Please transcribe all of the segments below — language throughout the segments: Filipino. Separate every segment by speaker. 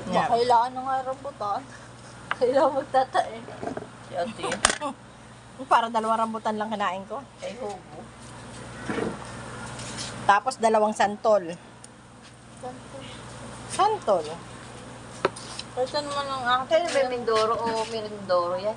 Speaker 1: Yeah.
Speaker 2: Kailangan ng nga rambutan. Kailangan magtatae.
Speaker 1: Si ate.
Speaker 3: Para 2 rambutan lang kinain ko.
Speaker 1: Ay, hugo.
Speaker 3: Tapos 2 santol. Santol.
Speaker 2: Kasi naman ang
Speaker 1: Kaya
Speaker 2: akin.
Speaker 1: ba Mindoro o Merindoro yan?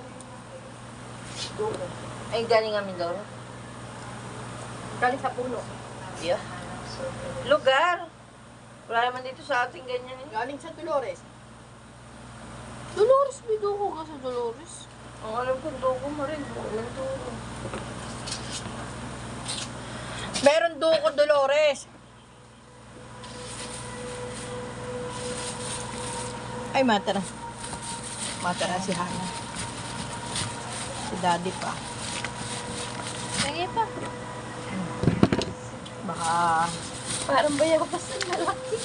Speaker 1: Ay, galing nga Mindoro.
Speaker 3: Galing sa puno.
Speaker 1: Yeah. Lugar. Wala naman dito sa ating ganyan eh.
Speaker 3: Galing sa Dolores.
Speaker 2: Dolores, biduko ka sa Dolores.
Speaker 1: Ang alam ko, dugo mo rin. Mindoro.
Speaker 3: Meron duko Dolores. Ay, matara. Matara si Hana. Si Daddy pa.
Speaker 2: Sige pa.
Speaker 3: Baka...
Speaker 2: Parang bayawas ng lalaki.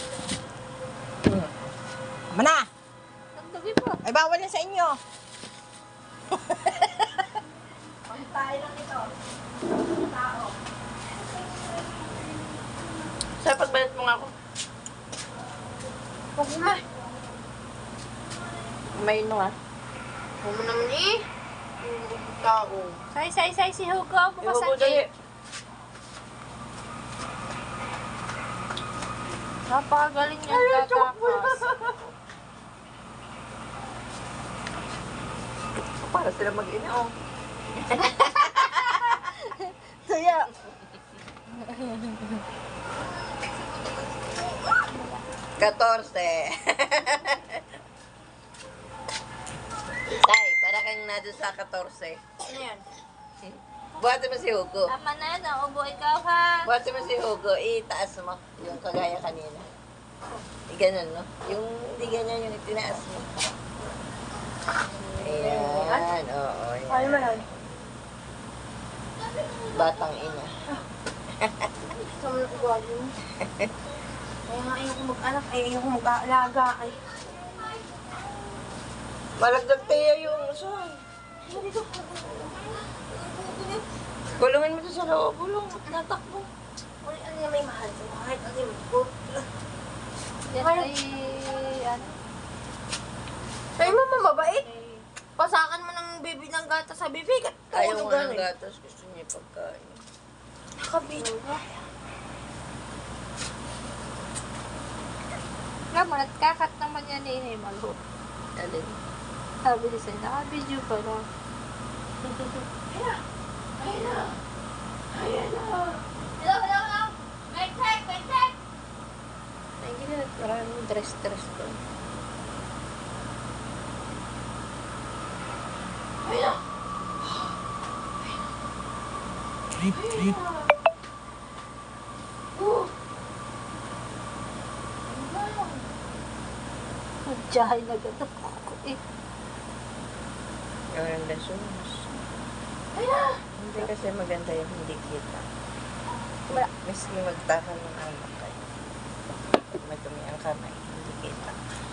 Speaker 3: Tama na!
Speaker 2: Tagdagi pa.
Speaker 3: Ay, bawal yan sa inyo. Pantay lang ito. Tao.
Speaker 1: Sa pagbalat mo nga ako.
Speaker 2: Huwag mo.
Speaker 1: May no nga.
Speaker 2: Huwag mo naman eh.
Speaker 1: Tao.
Speaker 2: Say, si Hugo. Bukas
Speaker 1: Hugo,
Speaker 2: ang
Speaker 1: dali.
Speaker 2: Napakagaling niya tatakas.
Speaker 1: Para sila mag-ina, oh.
Speaker 3: Saya.
Speaker 1: Katorse. Tay, para kang nado sa 14.
Speaker 2: Ano yan?
Speaker 1: Buhati mo si Hugo.
Speaker 2: Tama na, naubo ikaw ha.
Speaker 1: Buhati mo si Hugo, itaas mo. Yung kagaya kanina. Ganun, no? Yung hindi ganyan, yung itinaas mo. Ayan, oo. Ayan.
Speaker 2: Ano mo nun?
Speaker 1: Batang ina.
Speaker 2: Gusto mo na ugali. Kaya nga ayoko mag-anak, ayoko mag-aalaga. Ay.
Speaker 1: Malagdag tayo yung son. Kulungin mo to sa loob. Kulong. Natakbo.
Speaker 2: Uy, ano yung may mahal? Mahal, ano yung mahal? Yan ay, ano? Ay, mama, mabait. Pasakan mo ng baby ng gata sa bibig at
Speaker 1: Ayaw
Speaker 2: tulog
Speaker 1: nga ng
Speaker 2: ganun.
Speaker 1: gatas. Gusto niya yung pagkain.
Speaker 2: Nakabito ka. Nga mo, nagkakat naman yan eh, Himalo.
Speaker 1: Alin?
Speaker 2: Sabi ni sa'yo, nakabidyo pa na. Hello! May check!
Speaker 1: Ay, gila. Maraming dress ko.
Speaker 2: Magjahay na ganda ko eh.
Speaker 1: Yung lasunos. Hindi kasi maganda yung hindi kita. Miski magtahan ng anak kayo. Pag madumi ang kamay, hindi kita.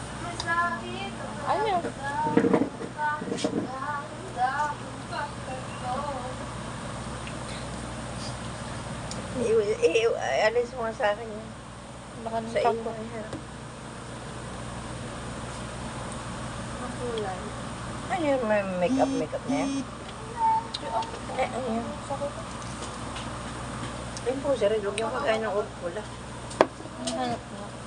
Speaker 2: Ano?
Speaker 1: Alis mo nga sa akin yun.
Speaker 2: Baka
Speaker 1: Sa iyo.
Speaker 2: ko. Makulay.
Speaker 1: Ano yun? May makeup na yan? Ano yun? Yung po, sir, huwag yung kakain ng old pula.
Speaker 2: Ang hanap mo.